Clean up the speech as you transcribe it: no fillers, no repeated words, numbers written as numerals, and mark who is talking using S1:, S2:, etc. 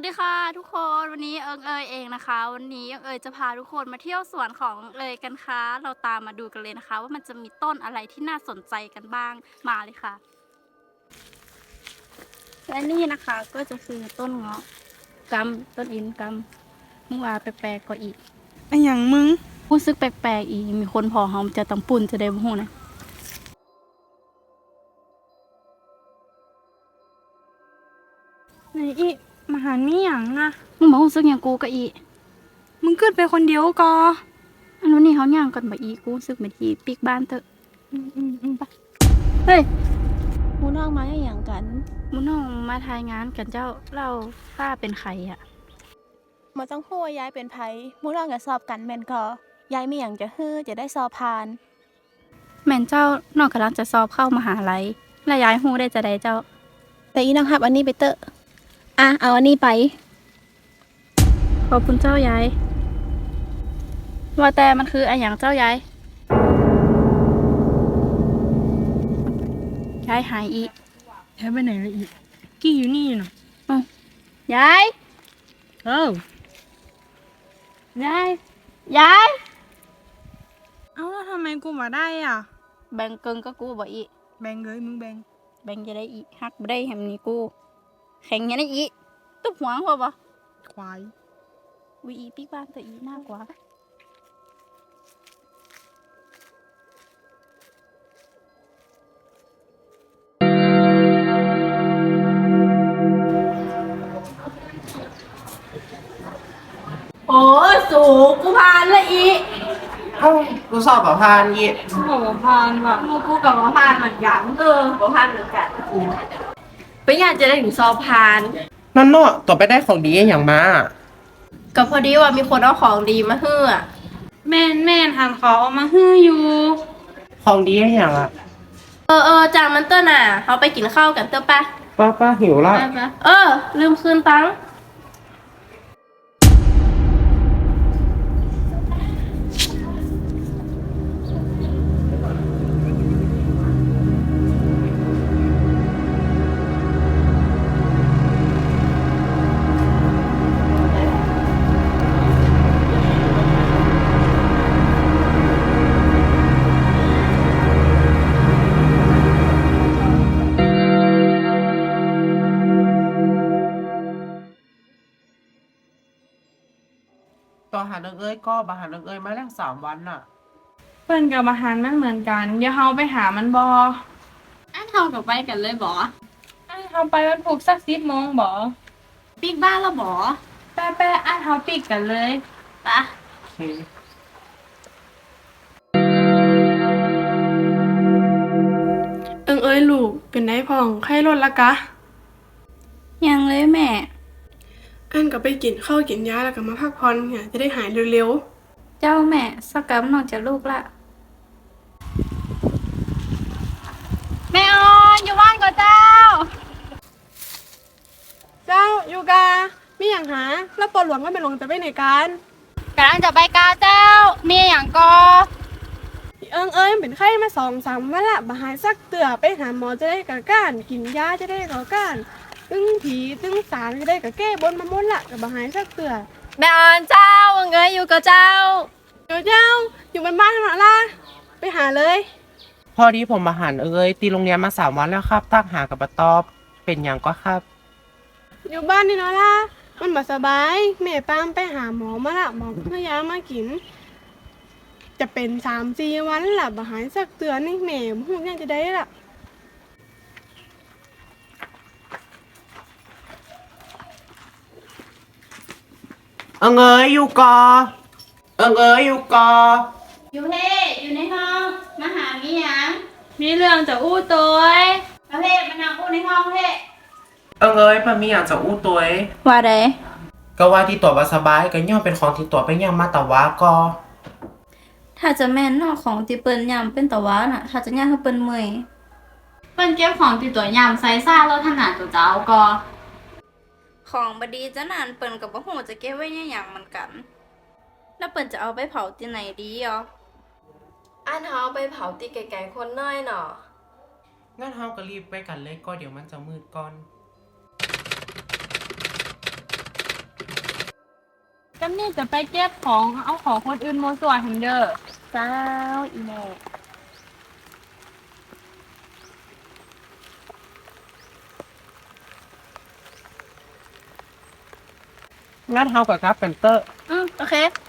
S1: ดีค่ะทุกคนวันนี้เองนะคะวันนี้จะพาทุกคนมาเที่ยวสวนของกันค่ะเราตามมาดูกันเลยนะคะว่ามันจะมีต้นอะไรที่น่าสนใจกันบ้างมาเลยค่ะและนี่นะคะก็จะคือต้นเงาะกำต้นอินกำมึงว่าแปลกๆกว่าอีก
S2: ไอ้หยังมึง
S1: รู้สึกแปลกๆอีกมีคนพอเขาจะต้องปุ่นจะได้บ่ฮู้นะ
S2: ไหนอีมาหานี่หยังอะ
S1: มึงบอกรู้สึกอย่างกูก็อีก
S2: มึงขึ้นไปคนเดียวก็
S1: อันนู้นนี่เขาย่างกันบ่อีกกูรู้สึกเหมือนที่ปีกบ้านเถอะไปเฮ้ย
S3: หมูน้องมาอย่างกัน
S1: มุน้องมาทายงานกันเจ้าเล่าป้าเป็นใครอะ
S3: มาต้องพูดว่าย้ายเป็นไผหมูน้องกับสอบกันแม่นก็ย้ายไม่อย่างจะฮื้อจะได้สอบผ่าน
S1: แม่นเจ้าน้องกำลังจะสอบเข้ามหาลัยและย้ายฮู้ได้จะได้เจ้า
S3: แต่อีน้องหับอันนี้ไปเตอะอ่ะเอาอันนี้ไป
S1: ขอบคุณเจ้ายายว่าแต่มันคืออะไรอย่างเจ้ายายยายหายอีก
S2: แท้ไปไหนละอีกกี้อยู่นี่น่ะ
S1: ยาย
S2: เอ้าย
S1: ายยาย
S2: เอ้าแล้วทำไมกูมาได้อ่ะ
S1: แบ่งเกินก็กูบ่อีก
S2: แบ่งเลยมึงแบ่ง
S1: แบ่งจะได้อีกฮักบ่ได้แฮมนี่กูแข่งอยังได้อีกตุ๊บหัวพอบ่
S2: ควาย
S1: วีอีปีกบ้านตัวอีมากกว่าโอ้สูกูพานละอี
S4: เอ้ากูสอบแบบพานยี่
S2: บอกว่าพานว่ะ
S1: กูกับว่าพานเหมือนกันว่าพานเหมือนกัน
S5: ไม่อยากจะได้ถึงสอบผ่าน
S4: นั่นเนาะตัวไปได้ของดีอย่างมา
S5: ก็พอดีว่ามีคนเอาของดีมาให้อะ
S2: แม่นหันขอเอามาฮื้ออยู่
S4: ของดีอย่างอ่ะ
S5: จางมันเตอร์น่ะเขาไปกินข้าวกันเตอร์ปะ
S4: ป้าหิวละ
S5: ลืมคืนตังค์
S4: ตัวหาเรื่องเอ้ยก็บาหาเรื่องเอ้ยมาแล้ว3 วันน่ะ
S2: เปิ้นกับอาหารมันเหมือนกันเดี๋ยวเฮาไปหามันบ่
S5: อันเท่ากับไปกันเลยบอ
S2: อันเฮาไปวันพุธสัก10 โมงบ่
S5: ปีกบ้านแล้วบอ
S2: แป๊ะๆอันเฮาปิดกันเลย
S5: ปะ
S4: โอเค
S6: เอ้ยลูกเป็นได้พ่องไข้ลดละกะ
S1: ยังเลยแม่
S6: อันก็ไปกินข้าวกินยาแล้วก็มาพักผ่อนเนี่ยจะได้หายเร็ว
S1: เจ้าแม่สักกำนอกจากลูกละแม่ออนอยู่บ้านก่อนเจ้า
S6: ๆ เจ้าอยู่กามีอย่างหาแล้วปอหลวงก็เป็นหลวงจะไปไหนกัน
S1: กำลังจะไปกาเจ้า มีอย่างก็
S6: เอ้ยเป็นไข้มา2-3 วันละบ่หายสักเตือไปหาหมอจะได้กะก้านกินยาจะได้กะก้านตึงผีตึงสารจะได้กะแก้บนมาหมดละก็บ่หายสักเตือ
S5: แม่ออนเจ้าเงยอยู่กับเจ้า
S6: เดี๋ยวเจ้าอยู่บ้านๆทำไมล่ะไปหาเลย
S4: พอดีผมมาหารเอ้ยตีโรงเรียนมา3 วันแล้วครับตั้งหากับปะตอบเป็นอย่างก็ครับ
S6: อยู่บ้านนี่เนาะล่ะมันบ่สบายแม่ปามไปหาหมอมาละหมอเพื่อยามากิน จะเป็น3-4 วันละบ่หายสักเตือนนี่แม่บ่ฮู้ยังจะได้ละ
S4: เอ้ยอยู่กอเอ้ยอยู่กอ
S1: อยู่เพ่อยู่ในห้องมาหามีหยัง
S2: มีเรื่องจะอู้ตัว
S1: มาเพ่มานั่งอู้ในห้องเพ่
S4: เอ้ยมันมีอย่างจะอู้ตัวเอ้ย
S1: ว่าได
S4: ก็ว่าที่ตัวบ่สบายก็ย่อมเป็นของที่ตัวไปย่อมมาแต่ว่าก็
S1: ถ้าจะแม่นนอกของที่เปิ้นยำเป็นตะวันน่ะ ถ้าจะย่างให้เปิ้นเมื่อย
S5: เปิ้นเก็บของติดตัวยำใส่ซ่าแล้วถนัดตัวเจ้าก็
S1: ของบดีจะนานเปิ้นกับบ่ฮู้จะเก็บไว้ในหยังเหมือนกัน แล้วเปิ้นจะเอาไปเผาที่ไหนดีอ่ะ
S5: อันเฮาไปเผาตีไก่ๆคนน้อยเนาะ
S4: งั้นเฮาก็รีบไปกันเลยก็เดี๋ยวมันจะมืดก่อน
S2: จำนี่จะไปเก็บของเอาของคนอื่นโมส่วนหันเด้อ
S3: เจ้าอีแม่
S4: งั้นเฮากับครับเป็นเตอร์
S3: โอเค